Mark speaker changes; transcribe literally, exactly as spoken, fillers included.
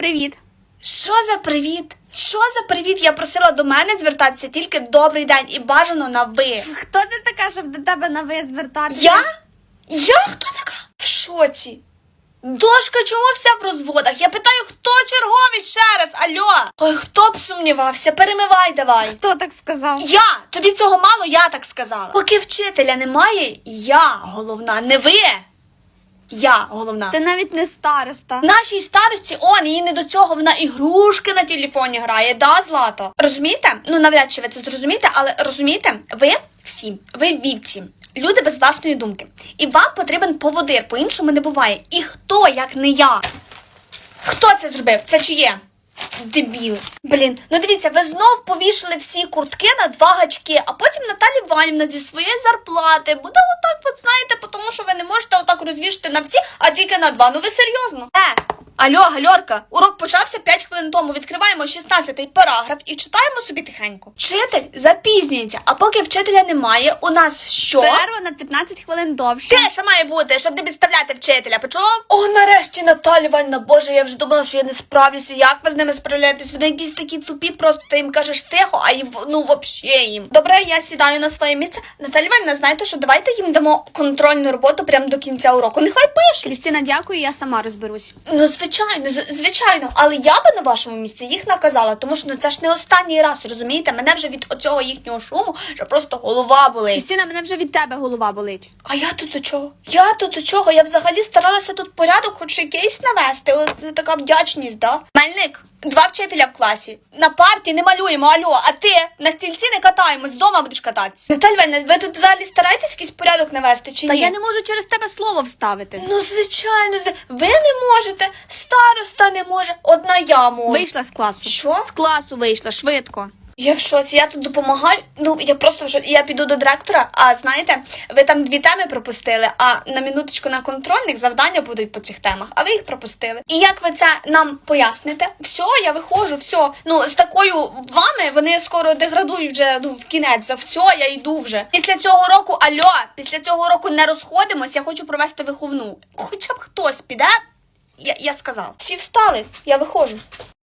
Speaker 1: Привіт.
Speaker 2: Що за привіт? Що за привіт? Я просила до мене звертатися тільки добрий день і бажано на ви.
Speaker 1: Хто ти така, щоб до тебе на ви звертатися?
Speaker 2: Я? Я хто така? В шоці. Дошка чому вся в розводах? Я питаю, хто черговий ще раз? Алло? Ой, хто б сумнівався? Перемивай давай.
Speaker 1: Хто так сказав?
Speaker 2: Я! Тобі цього мало, я так сказала. Поки вчителя немає, я головна, не ви. Я головна.
Speaker 1: Ти навіть не староста.
Speaker 2: Нашій старості, он, їй не до цього, вона ігрушки на телефоні грає, да, Злато? Розумієте? Ну, навряд чи ви це зрозумієте, але розумієте, ви всі, ви вівці, люди без власної думки. І вам потрібен поводир, по-іншому не буває. І хто, як не я? Хто це зробив? Це чиє? Дебіл. Блін, ну дивіться, ви знов повішали всі куртки на два гачки, а потім Наталя Іванівна зі своєї зарплати буде отак, от знаєте, тому що ви не можете отак розвішати на всі, а тільки на два. Ну ви серйозно? Е, алло, гальорка, урок почався п'ять хвилин тому, відкриваємо шістнадцятий параграф і читаємо собі тихенько. Вчитель запізнюється, а поки вчителя немає, у нас що?
Speaker 1: Перерва на п'ятнадцять хвилин довше.
Speaker 2: Теж має бути, щоб не підставляти вчителя, почув? О, нарешті, Наталя Іванівна, боже, я вже думала, що я не справлюся. Як ви з ними справляєтесь? Вони якісь такі тупі, просто ти їм кажеш тихо, а їм, ну, вообще їм. Добре, я сідаю на своє місце. Наталя Іванівна, знаєте що, давайте їм дамо контрольну роботу прямо до кінця уроку. Нехай пишуть.
Speaker 1: Крістіна, дякую, я сама розберусь.
Speaker 2: Ну, звичайно, з- звичайно, але я би на вашому місці їх наказала, тому що ну це ж не останній раз, розумієте? Мене вже від оцього їхнього шуму, що просто голова болить.
Speaker 1: Крістіна, мене вже від тебе голова болить.
Speaker 2: А я тут до чого? Я тут до чого? Я взагалі старалася тут порядок, хоч якийсь навести. От це така вдячність, да? Мельник, два вчителя в класі. На парті не малюємо, алло, а ти на стільці не катаємось, вдома будеш кататися. Наталя Іванівна, ви тут взагалі стараєтесь якийсь порядок навести чи
Speaker 1: Та
Speaker 2: ні?
Speaker 1: я не можу через тебе слово вставити.
Speaker 2: Ну, звичайно, зв- ви не можете, староста не може, одна я можу.
Speaker 1: Вийшла з класу.
Speaker 2: Що?
Speaker 1: З класу вийшла, швидко.
Speaker 2: Я в шоці, я тут допомагаю, ну, я просто вже, я піду до директора, а знаєте, ви там дві теми пропустили, а на минуточку на контрольних завдання будуть по цих темах, а ви їх пропустили. І як ви це нам поясните? Все, я виходжу, все, ну, з такою вами вони скоро деградують вже, ну, в кінець, за все, я йду вже. Після цього року, алло, після цього року не розходимось, я хочу провести виховну. Хоча б хтось піде, я, я сказала. Всі встали, я виходжу.